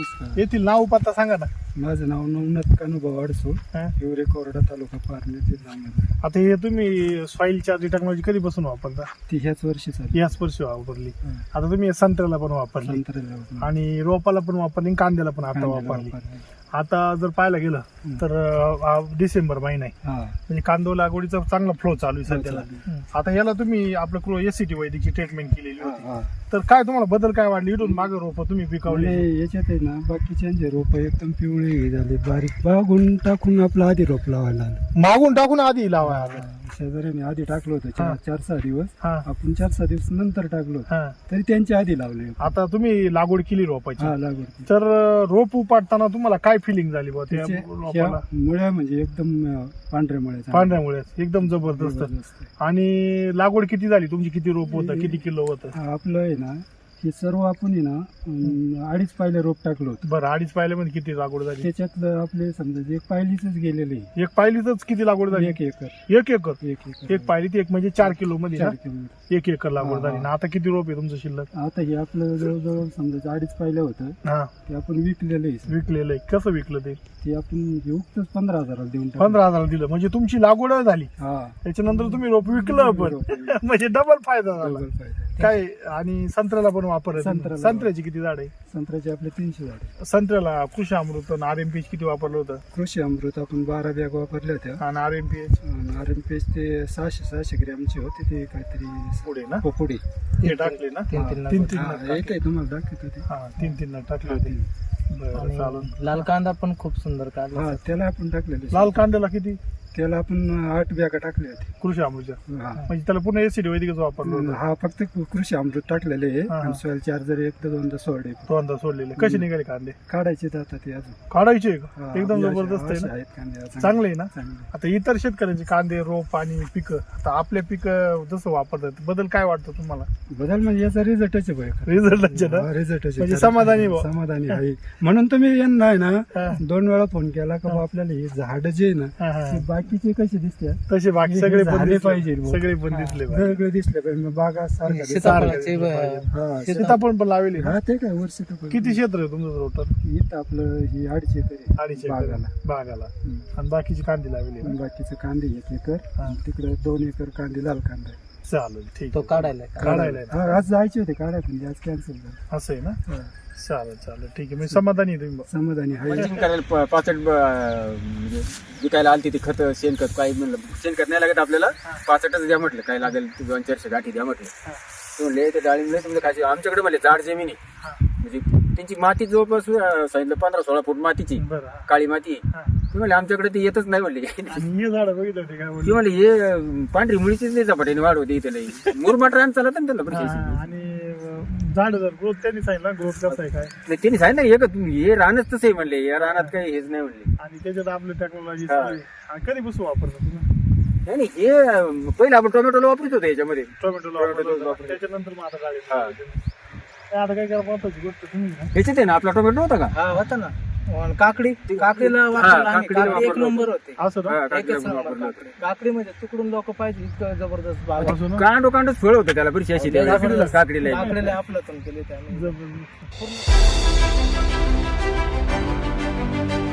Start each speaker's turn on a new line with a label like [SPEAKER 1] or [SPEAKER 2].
[SPEAKER 1] नमस्कार.
[SPEAKER 2] येथील नाव पत्ता सांगा ना.
[SPEAKER 1] माझं नाव नवनाथ कानुभाऊ अडसूळ,
[SPEAKER 2] हा.
[SPEAKER 1] हिवरे कोरडा, तालुका पारनेर, जिल्हा अहमदनगर.
[SPEAKER 2] आता हे तुम्ही सॉइल चार्ज टेक्नॉलॉजी कधीपासून वापरता?
[SPEAKER 1] ती ह्याच वर्षी चालू.
[SPEAKER 2] याच वर्षी वापरली.
[SPEAKER 1] हा.
[SPEAKER 2] आता तुम्ही संत्र्याला पण वापरली
[SPEAKER 1] संत्र्याला वापरली.
[SPEAKER 2] आणि रोपाला पण वापरली आणि कांद्याला पण आता
[SPEAKER 1] कांद्याला
[SPEAKER 2] वापरली.
[SPEAKER 1] वापरली.
[SPEAKER 2] आता जर पाहायला गेलं तर डिसेंबर महिना आहे,
[SPEAKER 1] हा.
[SPEAKER 2] म्हणजे कांदो लागवडीचा चांगला फ्लो चालू आहे सध्याला.
[SPEAKER 1] चालू.
[SPEAKER 2] आता याला तुम्ही आपलं एसीटी वैदिकची ट्रीटमेंट केलेली
[SPEAKER 1] हा,
[SPEAKER 2] होती,
[SPEAKER 1] हा.
[SPEAKER 2] तर काय तुम्हाला बदल काय वाटले? इथून मागे रोप तुम्ही पिकवले,
[SPEAKER 1] आणि याच्यात आहे ना बाकीचे रोप एकदम पिवळे हे झाले, बारीक बागून टाकून आपलं आधी रोप लावायला आलं.
[SPEAKER 2] मागून टाकून आधी लावा.
[SPEAKER 1] शेजाऱ्याने आधी टाकलं होतं
[SPEAKER 2] हा.
[SPEAKER 1] 4-6 दिवस.
[SPEAKER 2] हा
[SPEAKER 1] आपण 4-6 दिवस नंतर टाकलो होतं.
[SPEAKER 2] हा.
[SPEAKER 1] तरी त्यांच्या आधी लावले.
[SPEAKER 2] आता तुम्ही लागवड केली रोपाची,
[SPEAKER 1] हा, लागवड.
[SPEAKER 2] तर रोप उपाडताना तुम्हाला काय फिलिंग झाली बुवा त्या
[SPEAKER 1] त्याचे
[SPEAKER 2] रोपाला?
[SPEAKER 1] ह्या मुळ्या म्हणजे एकदम पांढऱ्या मुळ्या.
[SPEAKER 2] पांढऱ्यामुळे एकदम जबरदस्त. आणि लागवड किती झाली तुमची? किती रोप होतं? किती किलो होतं?
[SPEAKER 1] आपलं आहे ना हे सर्व आपण आहे ना 2.5 पायले रोप टाकलो होतं.
[SPEAKER 2] बरं, 2.5 पायल्यामध्ये किती लागवड झाली?
[SPEAKER 1] त्याच्यातलं आपले समजा जे पायलीच गेलेले
[SPEAKER 2] एक पायलीच किती लागवड झाली?
[SPEAKER 1] 1 एकर.
[SPEAKER 2] एक एकर. एक पायली एक म्हणजे 4 किलो मध्ये ना?
[SPEAKER 1] 4 किलोमीटर.
[SPEAKER 2] 1 एकर लागवड झाली ना? आता किती रोप आहे तुमचं शिल्लक?
[SPEAKER 1] आता हे आपलं जवळजवळ समजा 2.5 पायलं होतं
[SPEAKER 2] हा,
[SPEAKER 1] ते आपण विकलेलं आहे.
[SPEAKER 2] विकलेलं आहे. कसं विकलं ते?
[SPEAKER 1] ते आपण उगतच 15,000 देऊन टाकलं.
[SPEAKER 2] 15,000 दिलं म्हणजे तुमची लागवड झाली,
[SPEAKER 1] हा.
[SPEAKER 2] त्याच्यानंतर तुम्ही रोप विकलं पण.
[SPEAKER 1] रोप विकलं.
[SPEAKER 2] म्हणजे डबल फायदा झाला.
[SPEAKER 1] डबल फायदा.
[SPEAKER 2] काय? आणि संत्र्याला पण वापर
[SPEAKER 1] संत्र्याला.
[SPEAKER 2] संत्र्याची किती झाड आहे?
[SPEAKER 1] संत्र्याचे आपले 300 झाड.
[SPEAKER 2] संत्र्याला कृषी अमृत आणि RMPH किती वापरलं होतं?
[SPEAKER 1] कृषी अमृत आपण 12 बॅग वापरल्या होत्या.
[SPEAKER 2] आणि RMPH
[SPEAKER 1] RMPH ते 600 ग्रॅमचे होते. ते काहीतरी
[SPEAKER 2] पुढे ना
[SPEAKER 1] पुढे
[SPEAKER 2] हे टाकले ना?
[SPEAKER 1] हा.
[SPEAKER 2] तीन
[SPEAKER 1] हा, एक आहे तुम्हाला दाखवत होते.
[SPEAKER 2] हा, तीन टाकले होते. बरं, चालेल.
[SPEAKER 3] लाल कांदा पण खूप सुंदर काढला.
[SPEAKER 1] हा, त्याला आपण टाकलेले.
[SPEAKER 2] लाल कांद्याला किती?
[SPEAKER 1] त्याला आपण 8 बॅगा टाकल्या होत्या.
[SPEAKER 2] कृषी अमृत
[SPEAKER 1] हा.
[SPEAKER 2] म्हणजे त्याला पुन्हा एसिड वैदिकच वापरलं होतं.
[SPEAKER 1] हा, फक्त कृषी अमृत टाकलेले आहे.
[SPEAKER 2] हा, हा.
[SPEAKER 1] आणि सॉइल चार्जर एकदा दोनदा सोडले.
[SPEAKER 2] दोनदा सोडलेले. कसे निघाले कांदे?
[SPEAKER 1] काढायचे जातात ते अजून.
[SPEAKER 2] काढायचे का?
[SPEAKER 1] हा,
[SPEAKER 2] एकदम
[SPEAKER 1] असे-
[SPEAKER 2] जबरदस्त आहे
[SPEAKER 1] असे
[SPEAKER 2] ना?
[SPEAKER 1] आहेत कांदे चांगले.
[SPEAKER 2] चांगले आहे ना?
[SPEAKER 1] चांगले.
[SPEAKER 2] आता इतर शेतकऱ्यांचे कांदे रोप आणि पिकं, आता आपल्या पिकं जसं वापरतात, बदल काय वाटतं तुम्हाला?
[SPEAKER 1] बदल म्हणजे याचा रिझल्टच आहे बघ.
[SPEAKER 2] रिझल्टचे ना?
[SPEAKER 1] रिझल्टच
[SPEAKER 2] म्हणजे समाधानी बुवा.
[SPEAKER 1] समाधानी आहे. म्हणून तुम्ही यांना आहे ना
[SPEAKER 2] हा.
[SPEAKER 1] 2 वेळा फोन केला का बुवा आपल्याला हे झाड जे आहे ना
[SPEAKER 2] हा, हा.
[SPEAKER 1] ते बाकीचे कसे दिसतात
[SPEAKER 2] तसे बाकी
[SPEAKER 1] हे
[SPEAKER 2] सगळे पण
[SPEAKER 1] झाले
[SPEAKER 2] दिसले
[SPEAKER 1] पाहिजे बुवा.
[SPEAKER 2] सगळे पण दिसले पाहिजे.
[SPEAKER 1] वेगळे दिसले पाहिजे. मग बागा सारखा दिसतात.
[SPEAKER 3] सीताफळाचे
[SPEAKER 1] हा,
[SPEAKER 2] सीताफळ पण लावली ना?
[SPEAKER 1] हा, ते काय वर्ष तर
[SPEAKER 2] किती क्षेत्र आहे तुमचं रोटर?
[SPEAKER 1] इथं आपलं ही 2.5 एकर आहे.
[SPEAKER 2] 2.5 एकर
[SPEAKER 1] बागाला.
[SPEAKER 2] बागाला.
[SPEAKER 1] हम्म.
[SPEAKER 2] आणि बाकीची कांदी लावली ना?
[SPEAKER 1] आणि बाकीचं कांदे 1 एकर.
[SPEAKER 2] हा.
[SPEAKER 1] आणि तिकडे 2 एकर कांदे लाल कांदा आहे.
[SPEAKER 2] चालेल, ठीक
[SPEAKER 3] तो
[SPEAKER 2] आहे.
[SPEAKER 3] काढायला
[SPEAKER 2] काढायला आहे ना?
[SPEAKER 1] हा, आज जायचे होते काढाय पण आज कॅन्सल झालं.
[SPEAKER 2] असं आहे ना?
[SPEAKER 1] हा.
[SPEAKER 2] चालेल ठीक आहे. मी समाधानी आहे तुम्ही.
[SPEAKER 1] समाधानी आहे.
[SPEAKER 4] मल्चिंग करायला पाचट म्हणजे विकायला आलती ती खत शेणखत काही म्हणलं शेणखत नाही लागत आपल्याला 65च द्या म्हटलं काय लागेल 200-400 गाठी द्या म्हटलं. ते म्हणले ते डाळिंब समजा खायचे आमच्याकडे म्हणले जाड जमीन आहे म्हणजे त्यांची माती जवळपास सांगितलं 15-16 फूट मातीची
[SPEAKER 2] बरं. हा.
[SPEAKER 4] काळी माती
[SPEAKER 2] हा.
[SPEAKER 4] ते म्हणले आमच्याकडे ते येतच नाही म्हणले.
[SPEAKER 2] आणि हे झाड बघितलं ते काय
[SPEAKER 4] ते
[SPEAKER 2] म्हणले?
[SPEAKER 4] म्हणले हे पांढरी मुळीचीच नाही झपाट्याने वाढ होते इथे लई मुरमाट रान चालत ना त्याला
[SPEAKER 2] हा,
[SPEAKER 4] पण
[SPEAKER 2] आणि झाड जर ग्रोथ त्यांनी सांगितलं ग्रोथ कसं आहे काय,
[SPEAKER 4] त्यांनी सांगितलं हे रानच तसं आहे म्हणले या रानात काही हेच नाही म्हणले.
[SPEAKER 2] आणि त्याच्यात आपली टेक्नॉलॉजी
[SPEAKER 4] हा.
[SPEAKER 2] कधीपासून वापरतो तुम्ही?
[SPEAKER 4] नाही हे पहिलं आपण टोमॅटोला वापरत होतो याच्यामध्ये
[SPEAKER 2] टोमॅटो वापरतो, त्याच्यानंतर मग आता डाळिंब
[SPEAKER 4] हा.
[SPEAKER 2] लावतो. आता काय करा महत्वाची गोष्ट तुम्ही ना,
[SPEAKER 4] ह्याच्यात आहे ना आपला टोमॅटो होता का
[SPEAKER 3] हा होता ना. काकडीला वापरला आम्ही.
[SPEAKER 4] काकडीला
[SPEAKER 3] काकडी एक
[SPEAKER 4] वापरलं
[SPEAKER 3] नंबर होते.
[SPEAKER 2] असं ना?
[SPEAKER 4] हा,
[SPEAKER 3] एकच
[SPEAKER 4] काकडीला
[SPEAKER 3] नंबर
[SPEAKER 4] वापरलं
[SPEAKER 3] काकडी. काकडीमध्ये तिकडून लोक पाहिजे इतकं जबरदस्त बाग आहे.
[SPEAKER 2] असं ना?
[SPEAKER 4] कांडच फळ होतं त्याला बरीचशी अशी काकडीला
[SPEAKER 3] काकडीला आपलं केले त्याने.
[SPEAKER 2] जबरदस्त.
[SPEAKER 3] पूर्ण